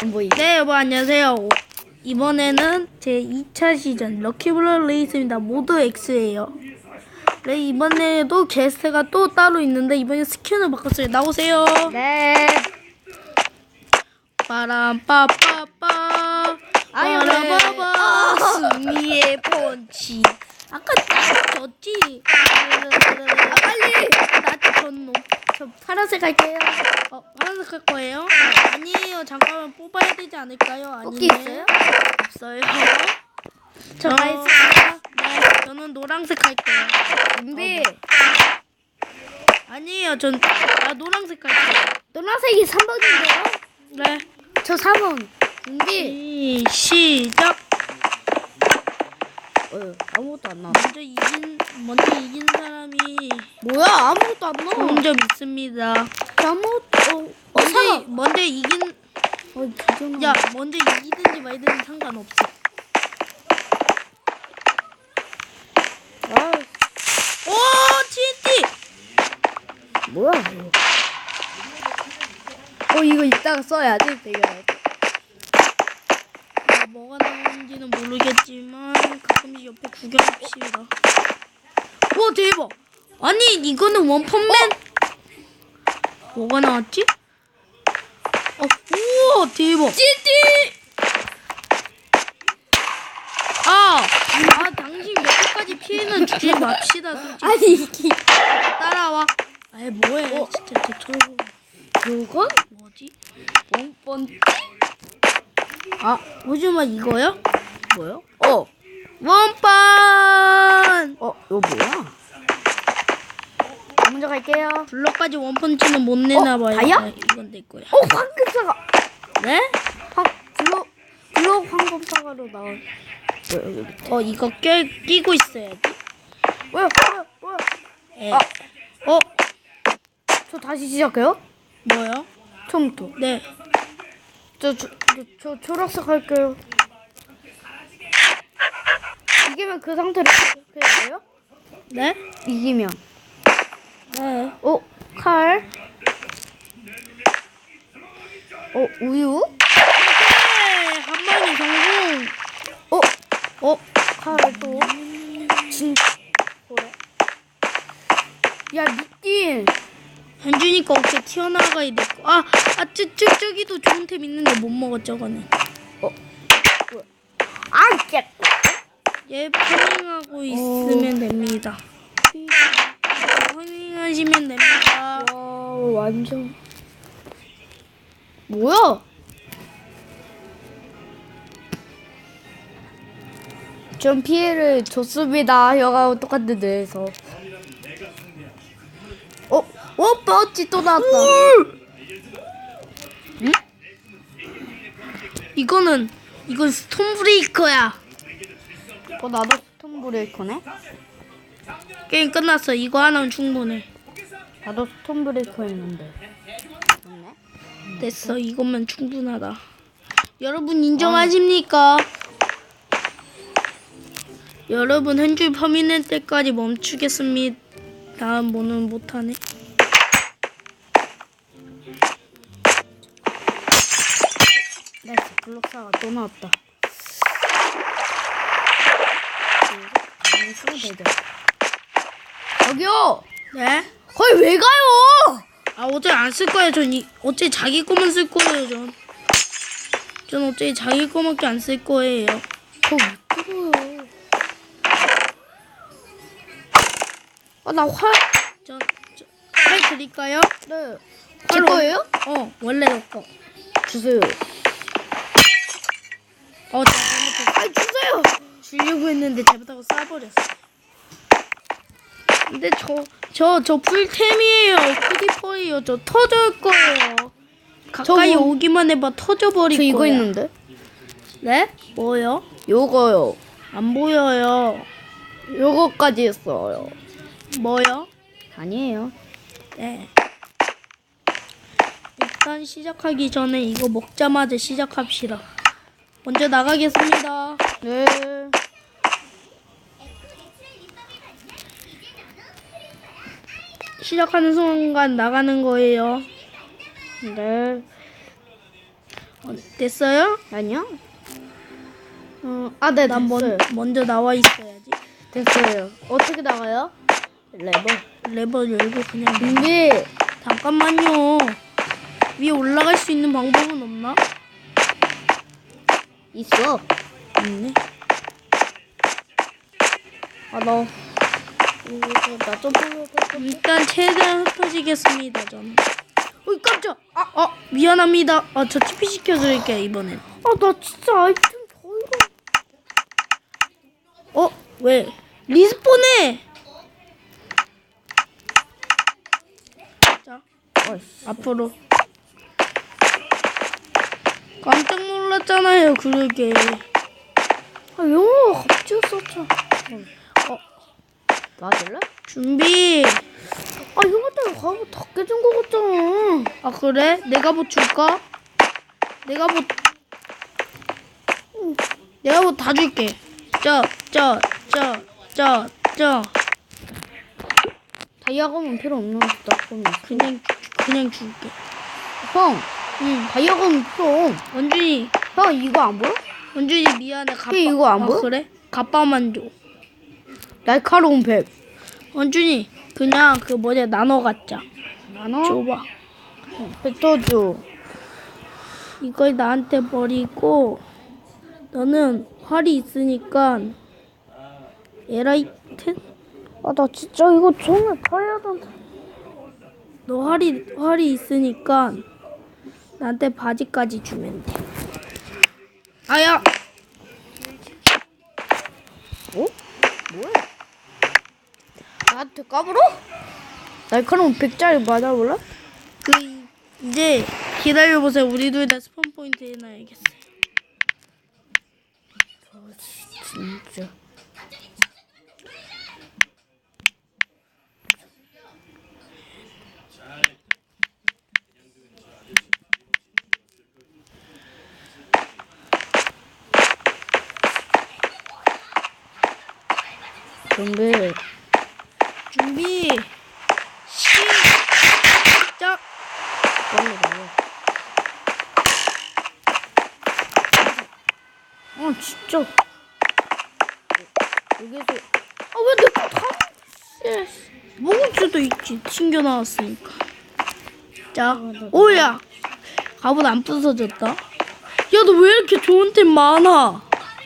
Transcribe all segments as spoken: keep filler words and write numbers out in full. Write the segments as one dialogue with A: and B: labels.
A: 뭐
B: 네, 여러분 안녕하세요. 이번에는 제 이 차 시즌 럭키블럭 레이스입니다. 모드 X예요. 네, 이번에도 게스트가 또 따로 있는데 이번에 스킨을 바꿨어요. 나오세요.
A: 네.
B: 빠람빠빠빠
A: 아유,
B: 빠라바바
A: 네.
B: 승리의 펀치. 아까 나 졌지.
A: 아, 빨리.
B: 나한테 졌노. 저 파란색 할게요. 어, 파란색 할 거예요? 아니에요. 잠깐만 뽑아야 되지 않을까요? 아니네.
A: 뽑기 있어요?
B: 없어요.
A: 저
B: 저
A: 다 있습니다.
B: 네, 저는 노란색 할게요.
A: 준비.
B: 어, 네. 아니에요. 전 아, 노란색 할게요.
A: 노란색이 삼 번인데요?
B: 네.
A: 저 사 번. 준비.
B: 이, 시작.
A: 어, 아무것도 안 나와.
B: 먼저 이긴 먼저 이긴 사람이
A: 뭐야? 아무것도 안 나와.
B: 좋은 점 있습니다.
A: 아무것도. 어,
B: 먼저
A: 사.
B: 먼저 이긴
A: 어, 기존.
B: 야 먼저 이기든지 말든지 상관없어.
A: 아,
B: 오 티엔티.
A: 뭐야? 이거. 어, 이거 이따가 써야지. 되게.
B: 아, 뭐가 나오는지는 모르겠지만 가끔씩 옆에 구경합시다. 와 대박. 아니 이거는 원펀맨. 뭐가 나왔지? 어, 우와 대박.
A: 찌띠.
B: 아, 아 당신 몇 개까지 피해는 주지 맙시다. 솔직히.
A: 아니 이게
B: 따라와. 아이 뭐해?
A: 어.
B: 진짜 대처럼.
A: 이건
B: 뭐지?
A: 원번.
B: 아, 오지마 이거요?
A: 뭐요? 어.
B: 원펀.
A: 어, 이거 뭐야? 먼저 갈게요.
B: 블럭까지 원펀치는 못 내나봐요.
A: 다이아?
B: 아, 이건 내 거야.
A: 어, 황금사과.
B: 네?
A: 황 블록 블록 황금사과로 나와. 뭐야 여기 밑에?
B: 어 이거 껴 끼고 있어야지.
A: 뭐야 뭐야 뭐야?
B: 예.
A: 아.
B: 어
A: 저 다시 시작해요?
B: 뭐요?
A: 처음부터.
B: 네.
A: 저 저 저 초록색 할게요. 이기면 그 상태로 해야 돼요?
B: 네?
A: 이기면.
B: 네.
A: 어, 칼. 어, 우유.
B: 네, 한 방에 성공.
A: 어,
B: 어
A: 칼 또. 진. 그래. 야, 미띠.
B: 현준이가 어깨 튀어나가야 될 거. 아, 아, 저, 저, 저기도 좋은 템 있는데 못 먹어 저거는.
A: 어. 뭐야? 아, 깼.
B: 얘 파밍하고 있으면 됩니다. 파밍하시면 됩니다.
A: 와, 완전. 뭐야? 좀 피해를 줬습니다. 여가 똑같은 데에서. 어, 어, 빠우치 또 나왔다.
B: 응? 이거는 이건 스톤 브레이커야.
A: 어, 나도 스톤 브레이커네.
B: 게임 끝났어. 이거 하나면 충분해.
A: 나도 스톤 브레이커 했는데. 맞네.
B: 됐어. 이것만 충분하다. 여러분 인정하십니까? 여러분 한 줄 퍼미는 때까지 멈추겠습니다. 뭐는 못하네.
A: 나이스, 블록사가 또 나왔다. 많이 쓰면 되죠. 저기요!
B: 네?
A: 거기 왜 가요?
B: 아 어제 안 쓸 거예요. 전 이, 어째 자기 거만 쓸 거예요. 전. 전 어째 자기 거밖에 안 쓸 거예요.
A: 거기 왜 뜨거워요? 아, 나 활.
B: 전, 저, 팔 드릴까요?
A: 네. 제
B: 활로-
A: 거예요?
B: 어, 원래 너 거.
A: 주세요.
B: 어, 제가 잘못했어.
A: 아, 주세요.
B: 주려고 했는데 잘못하고 쏴버렸어. 근데 저, 저, 저 풀템이에요. 크리퍼예요. 저 터질 거예요. 가까이
A: 저 뭐-
B: 오기만 해봐 터져버릴
A: 저
B: 거야.
A: 이거 있는데?
B: 네? 뭐요?
A: 요거요.
B: 안 보여요.
A: 요거까지 있어요.
B: 뭐요?
A: 아니에요.
B: 네. 일단 시작하기 전에 이거 먹자마자 시작합시다. 먼저 나가겠습니다.
A: 네.
B: 시작하는 순간 나가는 거예요.
A: 네.
B: 어, 됐어요?
A: 아니요. 어, 아, 네,
B: 난 먼,
A: 됐어요.
B: 먼저 나와 있어야지.
A: 됐어요. 어떻게 나가요? 레버.
B: 레버 열고 그냥.
A: 준비.
B: 잠깐만요. 위에 올라갈 수 있는 방법은 없나?
A: 있어.
B: 없네.
A: 아, 너. 나 점프.
B: 일단 최대한 흩어지겠습니다. 저는. 어이 깜짝. 아, 어 미안합니다. 아, 저 티피 시켜드릴게요 이번엔.
A: 아, 나 진짜 아이템 더 이거.
B: 어 왜? 리스폰해. 자
A: 어이씨.
B: 앞으로. 깜짝 놀랐잖아요. 그러게.
A: 아, 영어가 갑자기 썼죠. 어. 맞을래?
B: 준비.
A: 아, 이거 때문에 가고 다 깨진 거 같잖아.
B: 아 그래? 내가 뭐 줄까? 내가 뭐 내가 뭐 다 줄게. 저저저저저
A: 다이아검은 필요 없는 나쁜 거.
B: 그냥 그냥 줄게.
A: 형,
B: 응.
A: 다이아검은 필요.
B: 원준이
A: 형, 이거 안 보여?
B: 원준이 미안해. 갑바.
A: 얘 이거 안
B: 아,
A: 보여?
B: 그래? 갑바만 줘.
A: 날카로운 백.
B: 원준이 그냥 그 뭐냐 나눠 갖자.
A: 나눠?
B: 줘봐.
A: 뱉어줘.
B: 이걸 나한테 버리고 너는 활이 있으니까 에라이텐?
A: 아, 나 진짜 이거 정말 봐야 된다.
B: 너 활이 활이 있으니까 나한테 바지까지 주면 돼. 아야.
A: 어? 뭐야? 나한테 까불어? 날카로운 백짜리 맞아볼래?
B: 그 이제 기다려 보세요. 우리 둘 다 스폰 포인트 해놔야겠어.
A: 진짜. 준비.
B: 준비 시작.
A: 빨리 나와. 아, 진짜. 여기서. 아, 왜 내 거 다.
B: 먹을 수도 있지. 튕겨 나왔으니까. 자, 오야. 갑옷 안 부서졌다. 야, 너 왜 이렇게 좋은 템 많아?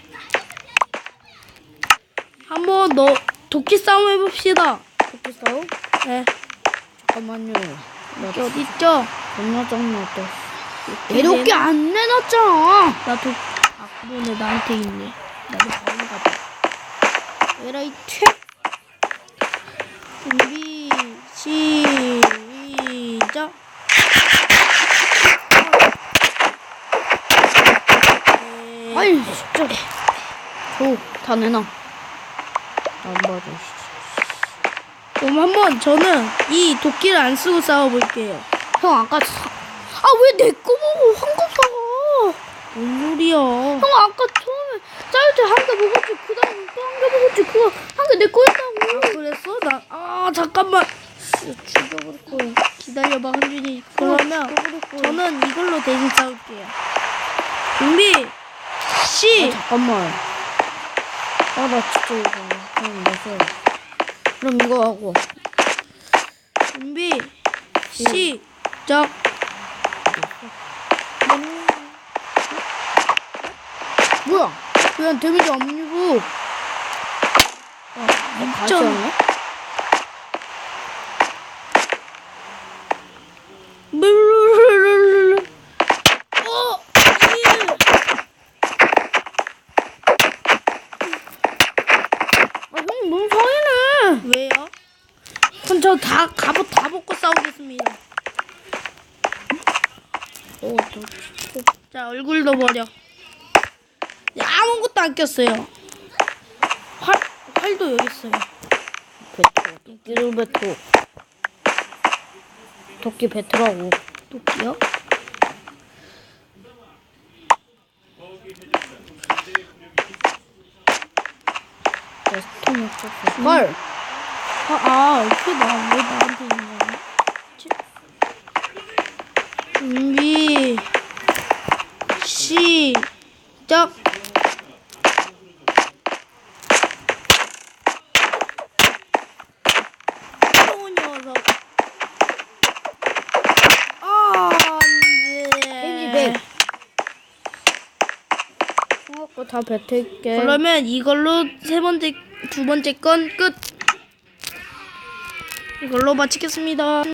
B: 한번 너 도끼 싸움 해봅시다.
A: 토끼 싸움?
B: 네.
A: 잠깐만요. 나
B: 도끼 어디 있죠?
A: 겁나 짱났다. 내 도끼 안 내놨잖아.
B: 나 도. 아, 그러네. 나한테 있네. 나도 바로 가자. 에라이 퇴. 준비 시작. 네.
A: 아니, 진짜. 줘, 다 내놔. 안 받아.
B: 그럼 한번 저는 이 도끼를 안 쓰고 싸워볼게요.
A: 형, 아까 사... 아, 왜 내 거 보고 황금 사가?
B: 뭔 소리야?
A: 형, 아까 처음에 짜유제 한 개 먹었지. 그 다음에 또 한 개 먹었지. 그거 한 개 내 거였다고.
B: 아, 그랬어? 나, 아, 잠깐만. 씨, 죽여버릴 거야. 기다려봐, 한준이. 그러면
A: 죽여버릴 거야.
B: 저는 이걸로 대신 싸울게요. 준비, 시!
A: 아, 잠깐만. 아, 나 진짜 이거. 형, 무서워. 그럼 이거 하고.
B: 준비, 시작.
A: 뭐야? 그냥 데미지 안 주고. 아, 같이
B: 점.
A: 하네?
B: 물르르르르르. 어, 예.
A: 아, 형 너무 상이네.
B: 왜요? 그럼 저 다 갑옷 다 벗고 싸우겠습니다.
A: 어, 너 진짜.
B: 자, 얼굴도 버려. 야, 아무것도 안 꼈어요. 활 활도 여기 있어요.
A: 뱉어. 도끼를 뱉어. 도끼 뱉으라고.
B: 도끼요?
A: 내 스톤 없었어. 헐!
B: 아, 아, 이게 나, 왜 나한테 있는 거야? 치- 준비, 시작. 또 녀석. 아,
A: 왠지
B: 안돼.
A: 백. 수학거 다 뱉을게.
B: 그러면 이걸로 세 번째, 두 번째 건 끝. 이걸로 마치겠습니다.